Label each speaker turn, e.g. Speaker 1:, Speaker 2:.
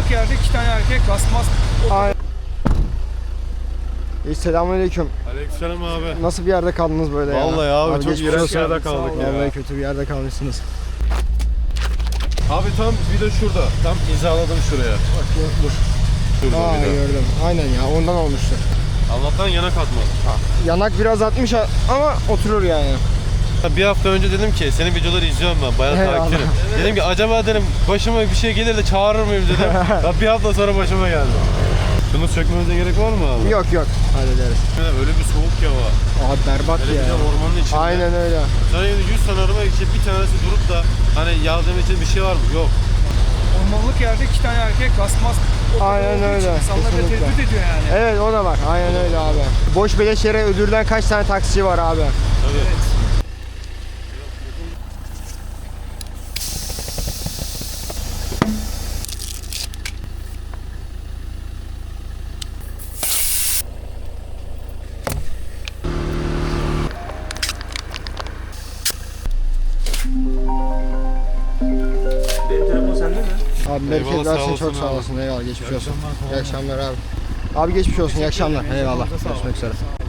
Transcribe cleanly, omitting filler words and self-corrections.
Speaker 1: Ormanlık yerde 2 tane erkek gasmaz.
Speaker 2: Selamünaleyküm.
Speaker 3: Aleykümselam abi.
Speaker 2: Nasıl bir yerde kaldınız böyle ya?
Speaker 3: Vallahi abi çok
Speaker 2: geçmiş
Speaker 3: iğrenç
Speaker 2: olsun.
Speaker 3: yerde kaldık ya.
Speaker 2: Vallahi kötü bir yerde kalmışsınız.
Speaker 3: Abi tam vida şurada. Tam hizaladım şuraya.
Speaker 2: Bak dur.
Speaker 3: Şurada
Speaker 2: Aa
Speaker 3: vida.
Speaker 2: gördüm. Aynen ya ondan olmuştu.
Speaker 3: Allah'tan yanak atmadı.
Speaker 2: Yanak biraz atmış ama oturur yani.
Speaker 3: Bir hafta önce dedim ki senin videoları izliyorum ben. Bayağı
Speaker 2: Eyvallah.
Speaker 3: takipçinim. Dedim ki acaba dedim başıma bir şey gelir de çağırır mıyım dedim. Ya bir hafta sonra başıma geldi. Şunu sökmemize gerek var mı abi?
Speaker 2: Yok hallederiz.
Speaker 3: Öyle bir soğuk ya var.
Speaker 2: Abi berbat
Speaker 3: Hele
Speaker 2: ya.
Speaker 3: bir de ormanın içinde.
Speaker 2: Aynen öyle.
Speaker 3: Sana 100 tane araba için bir tanesi durup da hani yardım için bir şey var mı? Yok.
Speaker 1: Ormanlık yerde 2 tane erkek gasmaz.
Speaker 2: Aynen öyle.
Speaker 1: İnsanları da
Speaker 2: Kesinlikle.
Speaker 1: tehdit ediyor yani.
Speaker 2: Evet o da var. Aynen öyle abi. Boş beleş yere ödülden kaç tane taksici var abi?
Speaker 3: Tabii.
Speaker 1: Evet. Benim telefon sende mi?
Speaker 2: Abi
Speaker 3: Eyvallah,
Speaker 2: bereket
Speaker 3: sağ
Speaker 2: versin,
Speaker 3: olasın
Speaker 2: çok sağ
Speaker 3: abi.
Speaker 2: olasın. Eyvallah geçmiş olsun. İyi akşamlar abi. Abi geçmiş olsun, iyi akşamlar. Eyvallah. Görüşmek üzere.